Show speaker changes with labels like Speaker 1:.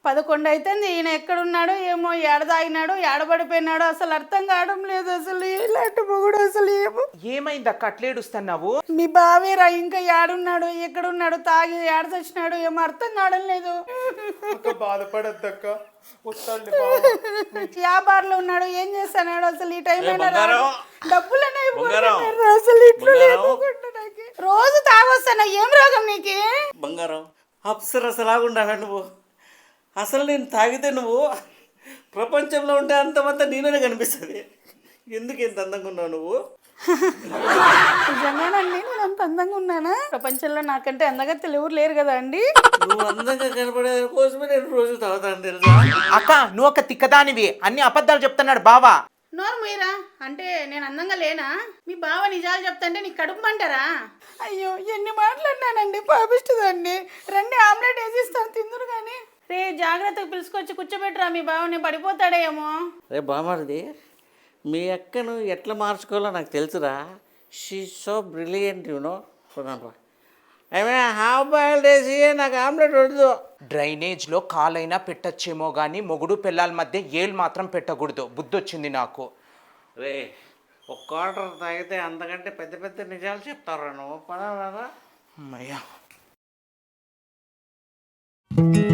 Speaker 1: 11 అవుతుంది. ఈయన ఎక్కడున్నాడో ఏమో, ఏడ తాగినాడో ఏడబడిపోయినాడో అసలు అర్థం కావడం లేదు. అసలు ఇలాంటి మొగుడు అసలు ఏమో.
Speaker 2: ఏమైంది అక్క అట్లేడుస్తున్నావు?
Speaker 1: మీ బావేరా ఇంకా ఏడున్నాడు, ఎక్కడున్నాడు, తాగి ఏడ చచ్చినాడు ఏమో అర్థం కావడం లేదు.
Speaker 2: బాధపడద్దక్క,
Speaker 1: వ్యాపారంలో ఉన్నాడు, ఏం చేస్తున్నాడు అసలు ఈ టైం డబ్బులనే
Speaker 3: అసలు
Speaker 1: ఇట్లు రోజు తాగొస్తాను. ఏం రోగం నీకు?
Speaker 3: బంగారం అప్సరసలాగుండావా నువ్వు? అసలు నేను తాగితే నువ్వు ప్రపంచంలో ఉంటే అంతమంతా నేనే కనిపిస్తుంది. ఎందుకు ఇంత అందంగా ఉన్నావు నువ్వు?
Speaker 1: నిజంగానండి, నేను అంత అందంగా ఉన్నానా? ప్రపంచంలో నాకంటే అందగా ఎవరు లేరు కదా అండి.
Speaker 3: నువ్వు అందంగా కనపడే కోసమే నేను రోజు తాగుతాను తెలుసా?
Speaker 2: అక్క నువ్వు ఒక తిక్కదానివి, అన్ని అబద్ధాలు చెప్తున్నాడు బావా.
Speaker 1: నోరు మీరా అంటే నేను అందంగా లేనా? మీ బావ నిజాలు చెప్తాంటే నీకు కడుపు మంటారా? అయ్యో ఎన్ని మాట్లాడినానండి, పాపిస్తుందండి. రండి ఆమ్లెట్ వేసిస్తాను, తిందురు కానీ. రే జాగ్రత్తగా పిలుచుకొచ్చి కూర్చోబెట్టరా, మీ బావని పడిపోతాడేమో.
Speaker 3: రే బామ్మది, మీ అక్కను ఎట్లా మార్చుకోవాలో నాకు తెలుసురా. She so brilliant you know. ఏమే హాఫ్ బాయిల్డ్ వేసి నాకు ఆమ్లెట్ వద్దు.
Speaker 2: డ్రైనేజ్లో కాలైనా పెట్టచ్చేమో కానీ మొగుడు పిల్లల మధ్య ఏళ్ళు మాత్రం పెట్టకూడదు. బుద్ధి వచ్చింది నాకు.
Speaker 3: రే ఒక క్వార్టర్ తాగితే అంతకంటే పెద్ద పెద్ద నిజాలు చెప్తారా నువ్వు? పదా
Speaker 2: అమ్మయ్యా.